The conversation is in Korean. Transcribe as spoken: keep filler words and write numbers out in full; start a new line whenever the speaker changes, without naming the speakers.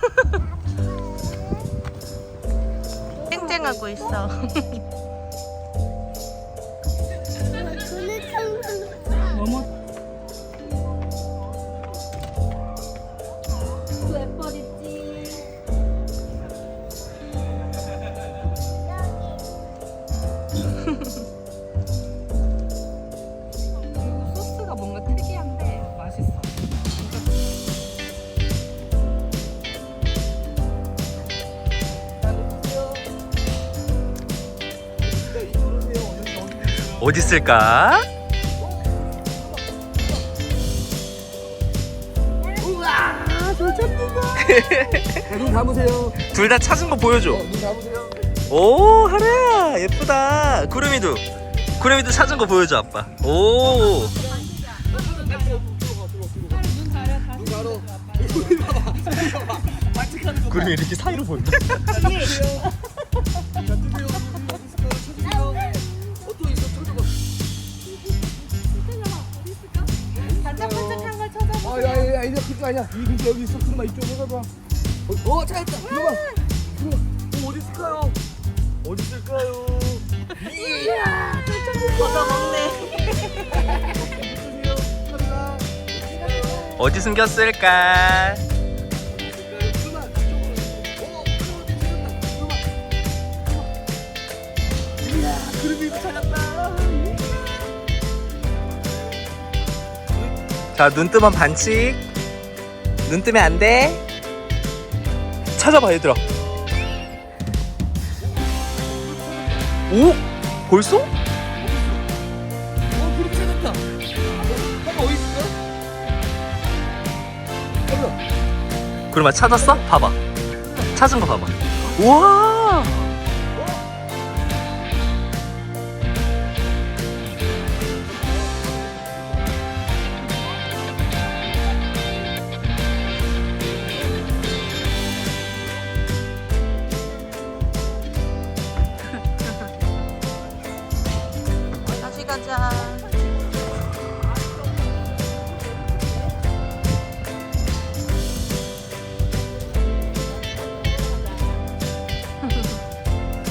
쨍쨍하고 있어.
뭐뭐? 소스가 뭔가 특이한데 맛있어.
어디 있을까?
눈 감으세요.
둘 다 찾은 거 보여줘.
눈 감으세요.
오, 하루야 예쁘다. 구름이도 구름이도 찾은 거 보여줘 아빠. 오.
눈 가로.
구름이 이렇게 사이로 본다.
반짝반짝한 걸 찾아봐.
아, 야, 야, 야, 이제 그거 아니야. 이 근처 여기 있어. 그놈아 이쪽으로 가봐. 어, 어, 찾았다. 그놈아. 그놈아. 어, 어디 있을까요? 어디 있을까요?
얻어 먹네.
어디 숨겼을까? 자, 눈 뜨면 반칙. 눈 뜨면 안 돼. 찾아봐, 얘들아. 오? 벌써?
어, 그렇게 찾았다. 한번 어디 있을까?
그러면 찾았어? 봐봐. 찾은 거 봐봐. 우와!